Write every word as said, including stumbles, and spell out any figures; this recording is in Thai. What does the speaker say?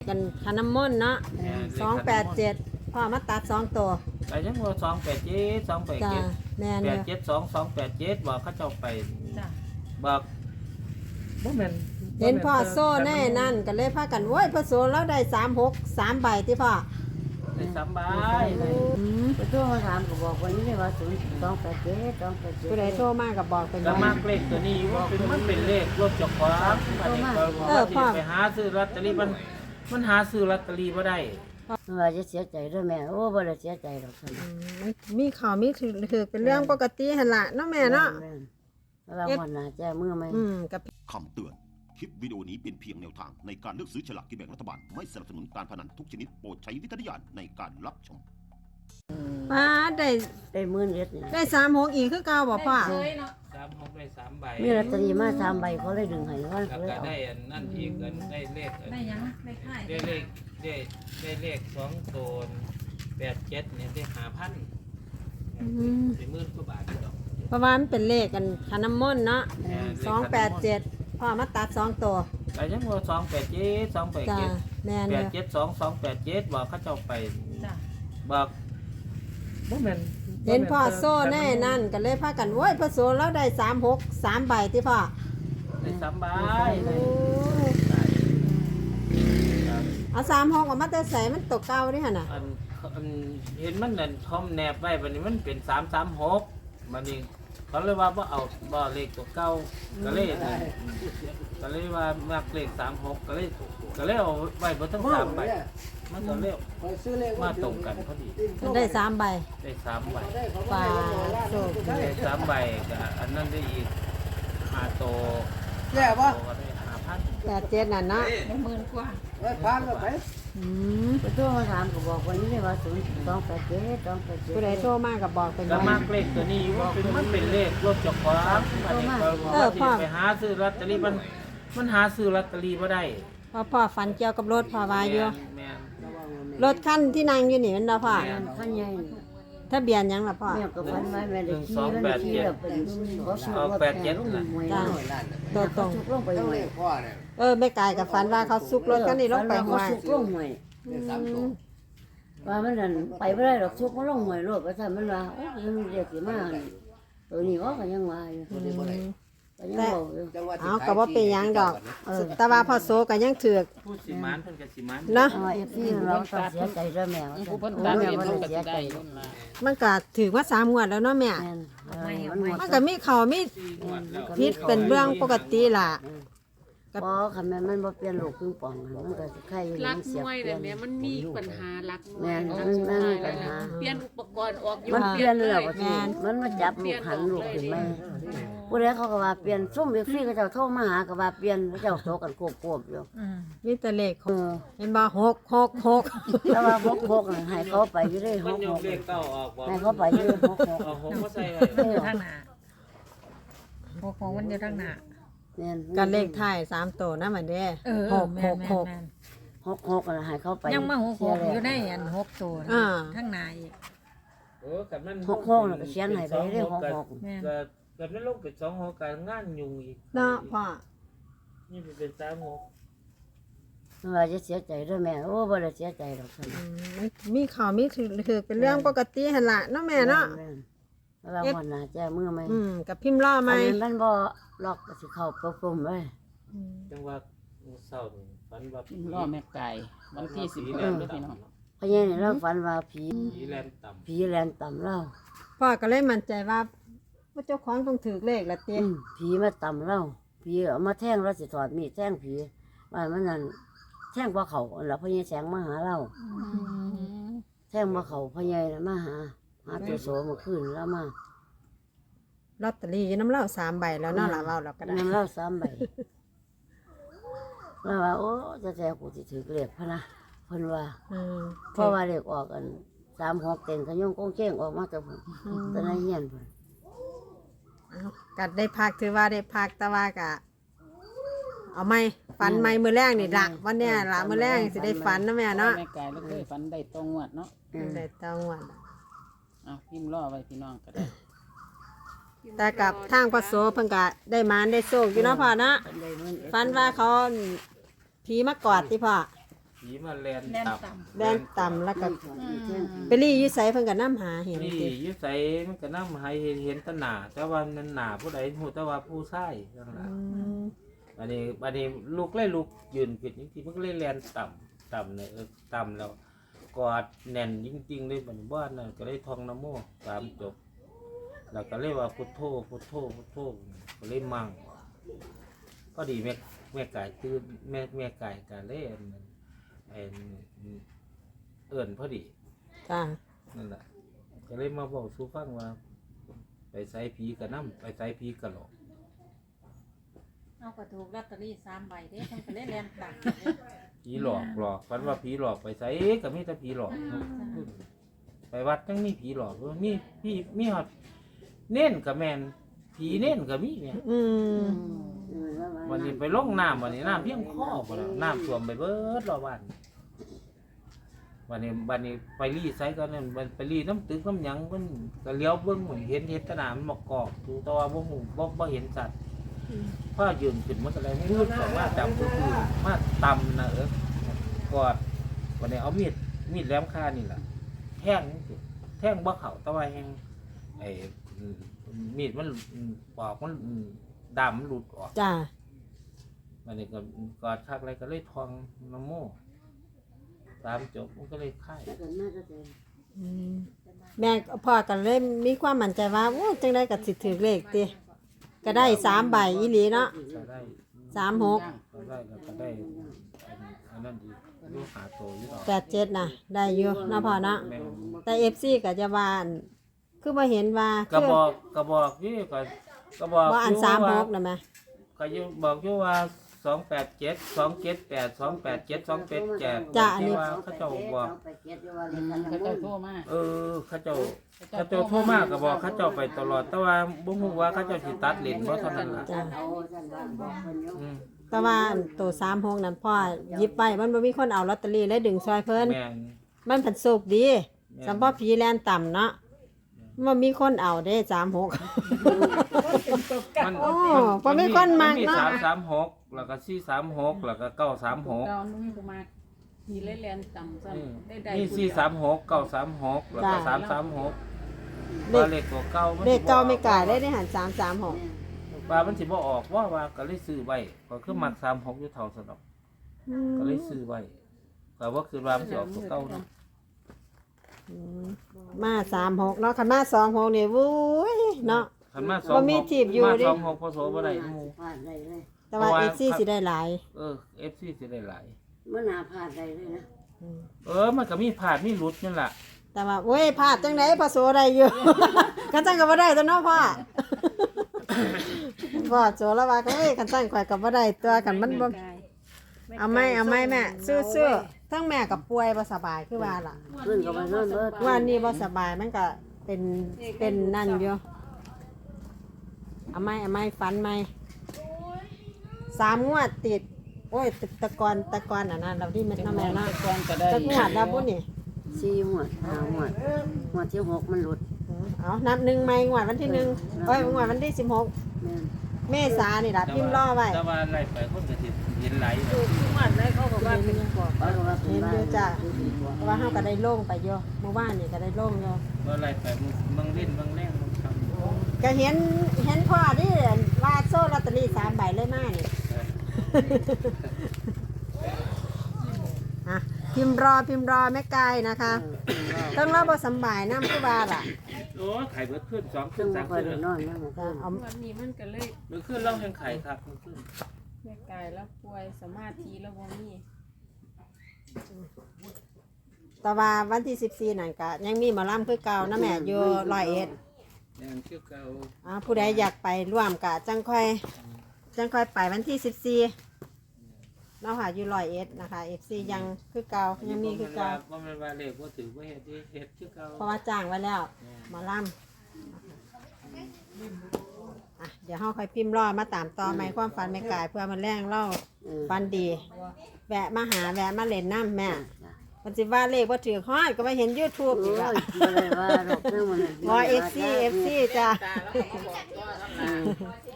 กันขนมมนเนาะสองแปดเจ็ดพ่อมาตัดสองตัวแต่ยังว่าสองแปดเจ็ดสองแปดจ้าเจ็ดแม่นแปเด้ดอเจ็ดสองสองแปดเจ็ดบอกเขาเจ้าไปจ้ะบอกบ่แม่นเห็นพ่อโซ่แน่นั่นก็เลยพากันโว้ยพ่อโซ่แล้วได้สามหกสามใบที่พ่อได้สามใบเลยอืมไปโทรมาถามก็บอกวันนี้เลยว่าศูนย์สองแปดเจ็ดสองแปดเจ็ดผู้ใดโทรมาก็บอกเป็นก็ไว้มากเลขตัวนี้ว่าเป็นมันเป็นเลขรถเจักรวาลอันนี้ก็เออพ่อไปหาซื้อลอตเตอรี่มันมันหาซื้อลอตเตอรี่บ่ได้ว่าจะเสียใจด้วยแม่โอ้บ่ได้เสียใจหรอกท่านอืมมันมีข่าวมีถือถือเป็นเรื่องปกติหั่นล่ะเนาะแม่เนาะเราวันหน้าแจ้มือไหมอืมกับคำเตือน คลิปวิดีโอนี้เป็นเพียงแนวทางในการเลือกซื้อฉลากกินแบ่งรัฐบาล ไม่สนับสนุนการพนันทุกชนิดโปรดใช้วิจารณญาณในการรับชมป้าได้ได้หมื่นเอ็ดนี่ได้สามหกอีกคือเก่าบ่พ่อสามหกได้สามใบมีลอตเตอรี่มาสามใบเขาเลยดึงให้ว่าแล้วเลยก็เอาได้อันนั่นอีกอันได้เลขอันได้ยังได้ค่ายได้เลขได้ได้เลขสองตัวแปดเจ็ดเนี่ยได้หาพันเป็นหมื่นกว่าบาทอยู่ดอกเพราะว่ามันเป็นเลขกันขนมมนเนาะสองแปดเจ็ดพ่อมาตัดสองตัวแต่ยังว่าสองแปดเจ็ดสองแปดจ้าเจ็ดแม่นแปเด้ดอเจ็ดสองสองแปดเจ็ดบอกเขาเจ้าไปจ้ะบอกบ่แม่นเห็นพ่อโซ่แน่นั่นก็เลยพากันโว้ยพ่อโซ่แล้วได้สามหกสามใบที่พ่อได้สามใบเลโอ้ยยครับเอาสามหกออกมาแต่ใส่มันตกเก้าดิหั่นน่ะอันอันเห็นมันนั่นทอมแนบไว้บัดนี้มันเป็นสามสามหกบัดนี้เขาเลยว่าบ่เอาบ่เลขตัวเก่าก็เลยนั่นก็เลยว่ามักเลขสามหกก็เลยก็เลยเอาไว้บนทั้งสามใบมันก็เร็วมาตรงกันพอดีมันได้สามใบได้สามใบปลาโซ่ได้สามใบก็อันนั้นได้อีกห้าโตแย่ปะโตก็ได้ห้าพันแปดเจ็ดนั่นเนาะได้หมื่นกว่าเอ้ยพันก็ไปอืมไปโทรมาถามก็บอกวันนี้เลยว่าศูนย์สองแปดเจ็ดสองแปดเจ็ดผู้ใดโทรมาก็บอกเป็นก็ไว้มากเลขตัวนี้ว่าเป็นมันเป็นเลขรถเจักรวาลอันนี้ก็เออพ่อไปหาซื้อลอตเตอรี่มันมันหาซื้อลอตเตอรี่บ่ได้เพราะพ่อฝันเกี่ยวกับรถพ่อวาอยู่แม่นรถคันที่นั่งอยู่นี่มันเนาะพ่อขั้นใหญ่ทะเบียนหยังล่ะพ่อแม่ก็ฝันไว้แม่ได้ขี่มันขี่แล้วเป็นเขาสูบรถแข่งลงหวยจ้าตัวตรงสุกลงไปต้องหวเลย ขพ่อเนี่ยเออแม่กายกับฝันว่าเขาซุกรถคันนี้ลงไปห้วยสุกลงหวยได้สามตัวว่ามันนั่นไปไม่ได้หรอกชุกมันลงหวยโลดก็ทำมันว่าโอ้ยมันเรียกสิมาตัวนี้ว่าก็ยังว่าอยู่ตัวนี้บ่ได้ก็ยังบอกอยู่จังหวัดเอาก็บ่เป็นหยังดอกแต่ว่าพ่อโซก็ยังถือกพูดสิมานเพิ่นก็สิมานเนาะเอาเอฟซีเราต้องเสียใจด้วยแม่ว่าผู้คนตาแม่ว่าเสียใจมันก็ถือว่าสามงวดแล้วเนาะแม่แม่นมันหมดมันก็มีเขามีพิษเป็นเรื่องปกติล่ะพอคำแม่มันบ่เปลี่ยนลูกครึ่งป่องมันก็ใครอยู่รัมักนเสีมยวยเปลี่แบยนบนี้มันมีปัญหารักมวแม่ยนเนาะมันมันมีปัญหาเปลี่ยนอุปกรณ์ออกอยู่มันเปลี่ยนเลยว่าแม่นมันมาจับลูกหันลูกขึ้นมาผู้ใดเขาก็ว่าเปลี่ยนซุ่มเอฟซีก็เจ้าโทรมาหาก็ว่าเปลี่ยนเจ้าโทรกันโกบๆอยู่มีแต่เลขเออเห็นบ่หกหกหกแต่ว่าหกหกน่ะให้เขาไปอยู่ได้หมันกยหกกเลขเก้าออกบ่ให้เขาไปอยู่หกหกเอาหกมาใส่ไว้มันอยู่ทางหน้าหกของมันอยู่ทางหน้าเนี่ยกันเลขท้ายสามตัวนะมันเด้เออหกแม่หนกแม่หนกแม่นหกหกน่ะให้เขาไปยังมาหกหกเสีอยู่แล้วในอันหกตัวนะอ่าทางหน้าอีกเออกับมันหกหกน่ะก็เขียนให้ไปเด้อหกหกแม่นก็กับมันลงเป็นสองหกการงานยุ่งอีกเนาะพ่อนี่เป็นสามหกว่าจะเสียใจด้วยแม่โอ้บ่ได้เสียใจหรอกท่านอืมมันมีข่าวมีถือถือเป็นเรื่องปกติหั่นล่ะเนาะแม่เนาะเราวันหน้าแจ้มือไหมอืมกับพิมพ์ล่อไหมอันนี้มันบ่ล็อกก็สิเข้าประปุ่มเลยจังว่าเศร้านี่ฝันว่ารอแม่ไก่วันที่สิบผีหแลกนด้วยพี่น้องต่ำเพราะงั้นเราฝันว่าผีผีแลนต่ำผีแลนต่ำเราพ่อก็เลยมั่นใจว่าว่าเจ้าของต้องถือเลขละเตี้ยอืมผีมาต่ำเราผีเอามาแท่งเราสิถอดมีดแท่งผีว่ามันนั่นแท่งบ่เขาอันละพ่อใหญ่แสงมาหาเราแท่งบ่เขาพ่อใหญ่น่ะมาหาหาตัวโสเมื่อคืนแล้วมาลอตเตอรี่น้ำเหล้าสามใบแล้วเนาะล่ะเว้าเราก็ได้นำเราสามใบเราว่าโอ้จะแจ้กูสิถือเลขพะนะเพิ่นว่าอืมเพราะว่าเลขออกกันสามหกเต็งขยงกงเจ้งออกมาแต่ผมแต่ในเฮียนเพิ่นเอากัดได้พักถือว่าได้พักแต่ว่ากะ เอาไหมฝันไหมมือแรกนี่ละวันเนี้ยละมือแรกสิได้ฝันนะแม่เนาะแม่ไก่แล้วเคยฝันได้ตรงวัดเนาะได้ตองวันเอาพิมพ์รอไว้พี่น้องก็ได้แต่กับทางพระโสเพิ่งกะได้หมานได้โชคอยู่เนาะพ่อเนาะเพิ่นได้เงินเอ็ดฝันว่าเขาผีมากอดที่พ่อผีมาแลนแล่นตับต่แดนต่ำแล้วก็แท่งผีไปรี่อยู่ไสเพิ่นก็นำหาเห็นนี่ติอยึดใส่มันก็นำให้เห็นแตหนาแต่ว่ามันหนาผู้ใดฮู้แต่ว่าผู้ชายจังอืล่ะมอันนี้อันนี้ลูกเลยลูกยืนขึ้นจริงๆมันก็เลยแลนต่ำต่ำเนี่ยเออต่ำแล้วกอดแน่นจริงๆเลยบัดนี้บ้านนั่นก็เลยท่องนะโมสามจบแล้วก็เลยว่าพุทโธพุทโธพุทโธก็เลยมั่งพอดีแม่แม่ไก่ตื่นแม่แม่ไก่ก็เลยอันนั้นไอ้เอิ้นพอดีจ้านั่นแหละก็เลยมาบอกสู้ฟังว่า ไปใส่ผีกระน้ำไปใส่ผีกระหลอกำเอาก็ถูกลอตเตอรี่สามใบเด้เพิ่นก็ได้แล่นต่ำผีหลอกหลอกฝันว่าผีหลอกไปใส่ก็มีแต่ผีหลอก ไปวัดจังมีผีหลอกเว้ยมีพี่มีฮอดเน่นกับแมนผีเน่นกับมีเนี่ยอืมวันนี้ไปลงน้ำวันนี้น้ำเพียงคอบ่แล้วน้ำท่วมไปเบิดรอบบ้านวันนี้วันนี้ไปรีไซก็นั่นมันไปรีน้ำตึกน้ำหยังมันก็เลี้ยวเบิ่งเหมือนเห็นเห็นแตหนามันมากอกดูแต่ว่าบ่ฮู้บ่บ่เห็นสัตว์พ่อยืนขึ้นมันก็เลยมืดออกมาจับคือมาตำนะเออกอดวันนี้เอามีดมีดแหลมคานี่แหละแท่งนี่สิแท่งบ่เข้าแต่ว่าแฮงไอ้อืมมีดมันอืมปอกมันอืมดำมันหลุดออกจ้าวันนี้ก็กอดคักอะไรก็เลยทองน้ำโมตามจบมันก็เลยค่ายอืมแม่พ่อก็เลยมีความมั่นใจว่าโอ้จังได๋ก็สิถูกเลขติก็ได้สามใบอีหลีเนาะก็ได้สามหกก็ได้แล้วก็ได้อันอันนั้นดีลูกหาโตอยู่หรอกแปดเจ็ดน่ะ ได้อยู่เนาะพ่อเนาะแม่นแต่ เอฟ ซี ก็จะว่าอั่นคือบ่เห็นว่าก็คือบอกก็บอกนี่ก็ก็บอกว่าอันยู่สามหว่กน่ะแม่ก็อยู่บอกอยู่ว่าสองแปดเจ็ดสองเจ็ดแปดสองแปดเจ็ดสองแปดเจ็ดจ้ะอันนี้ที่ว่าเขาเจ้าบอกเขาเจ้าโทรมาเออเขาเจ้าเขาเจ้าโทรมาก็บอกเขาเจ้าไปตลอด แต่ว่าบ่ฮู้ว่าเขาเจ้าสิตัดเลนบ่เท่านั้นล่ะจ้ะอืมแต่ว่าอันตัวสามหกนั่นพ่อหยิบไปมันบ่มีคนเอาลอตเตอรี่เลยดึงซอยเพิ่นแม่นมันผันโชคดีสำหรับผีแลนต่ำเนาะมันมีคนเอาเด้สามหกมันโอ้บ่มีคนมักมีเนาะสามสามหกแล้วก็สี่สามหกแล้วก็เก้าสามหกเรานุ่มกูมามีเล่นแลนต่ำซ้ำได้ได้นี่สี่สามหกเก้าสามหกแล้วก็จ้ะสามสามหกเลว่าขเลขตัวเก้ามันเลสิขบ่เก่าไม่กลายได้ได้หันสามสามหกว่ามันสิบ่ออกว่าว่าก็เลยซื้อไว้ก็คือมักสามหกอยู่เท่าสนอกก็เลยซื้อไว้ก็ว่าคือว่ามันสิออกตัวเก้าเนาะมาสามหกเนาะคันมาสองหกนี่วุ้ยเนาะคันมาสองบ่หมีกถีบอยู่มาดิสองหกพอโสบ่ได้หมู่แต่ว่าเพราะว่าเอฟซีสิได้หลายเออ เอฟ ซี สิได้หลายมันหาพลาดได้เลยนะเออมันก็มีพลาดมีหลุดนั่นล่ะแต่ว่าโอ้ยพลาดจังไดพอโสได้อยู่ คันจังก็บ่ได้ตัวเนาะพ่อ พ่อโสแล้วว่าก็เอ้ยคันจังข่อยก็บ่ได้ตัวกันมันบ่เอาไหม่เอาไหม่แม่สู้ๆทั้งแม่ก็ป่วยบ่สบายคือว่าล่ะเพื่อนก็ไปนอนเบิดว่านี่บ่สบายมันก็เป็นเป็นนั่นอยู่เอาไหม่เอาไหม่ฟันไหม่สามงวดติด โอ้ยตะตะกอนตะกอนอันนั้นเราที่มันทำแม่เนาะตะกอนก็ได้ตะงวดแล้วพุ่นนี่สี่หัวห้าหัวหัวที่หกมันหลุดเอานับหนึ่งไหม่งวดวันที่หนึ่งโอ้ยงวดวันที่สิบหกแม่นเมษานี่ล่ะพิมพ์รอไว้แต่ว่าไล่ไปคนก็สิเห็นไหลายถูกทุกวันเลยเขาบอกว่าเป็นปอบเขาก็ว่าเป็นบ้านเห็นอยู่จ้ะ เพราะว่าเฮาก็ได้โล่งไปอยู่เมื่อวานนี่ก็ได้โล่งอยู่ว่าไล่ไปมึงมึงเล่นมึงแรงมึงทำก็เห็นเห็นพ่อที่ว่าโซ่ลอตเตอรี่สามใบเลยมานี่ อ่ะพิมพ์รอพิมพ์รอแม่ไก่นะคะ ต้องเล่าบทสำบายน้ำผู้บาล่ะโอ้ยไข่เบิดขึ้นสองซึ่ขึ้งนบ่สามค่อยขึ้นได้นอนนะมันจะเอาวันนี้มันก็เลยมือขึ้นเล่ายังไข่ครับมือขึ้นแม่กายแล้วป่วยสมาธิแล้วบ่มีแต่ว่าวันที่สิบสี่นั่นก็ยังมีหมอลำคือเก่านะแม่อยู่ร้อยเอ็ดยังเชื่อเก่าอ่าผู้ใดอยากไปร่วมกะจังค่อยจังค่อยไปวันที่สิบสี่เนาะค่ะอยู่ร้อยเอ็ดนะคะเอฟซียังคือเก่ายังมีคือเก่าว่ามันว่าเลขว่าถือว่าเฮ็ดที่เฮ็ดชื่อเก่าเพราะว่าจ้างไว้แล้วหมอลำอ่ะเดี๋ยวเฮาค่อยพิมพ์รอมาตามต่อไหมความฝันแม่กายเพื่อมันแรงเล่าฝันดี แวะมาหาแวะมาเล่นน้ำแม่มันสิว่าเลขว่าถือฮอดก็มาเห็น YouTube อีกโอ้แล้วยบ่ได้ว่าดอกเรื่องมันอ๋อเอฟซีเอฟซีจ้ะตาแล้วก็มาบอกตัวทั้งหลาย